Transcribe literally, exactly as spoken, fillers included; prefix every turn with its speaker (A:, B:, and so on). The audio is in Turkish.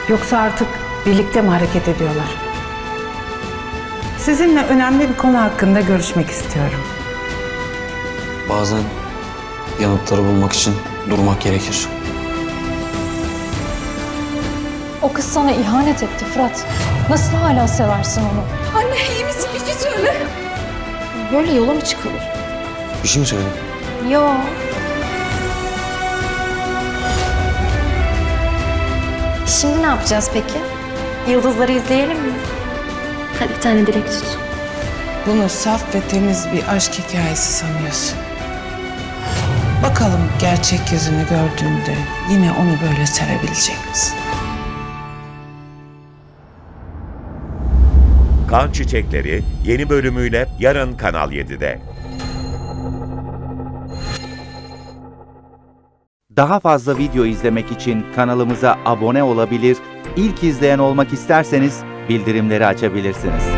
A: Yoksa artık birlikte mi hareket ediyorlar? Sizinle önemli bir konu hakkında görüşmek istiyorum.
B: Bazen yanıtları bulmak için durmak gerekir.
C: O kız sana ihanet etti Fırat. Nasıl hala seversin onu?
D: Anne iyi misin? Bir şey söyle.
C: Böyle yola mı çıkılır?
B: Bir şey mi söyledin?
C: Yo. Şimdi ne yapacağız peki? Yıldızları izleyelim mi?
D: Hadi bir tane dilek tut.
E: Bunu saf ve temiz bir aşk hikayesi sanıyorsun. Bakalım gerçek yüzünü gördüğünde yine onu böyle sevebilecek misin?
F: Kan Çiçekleri yeni bölümüyle yarın Kanal yedide.
G: Daha fazla video izlemek için kanalımıza abone olabilir, ilk izleyen olmak isterseniz bildirimleri açabilirsiniz.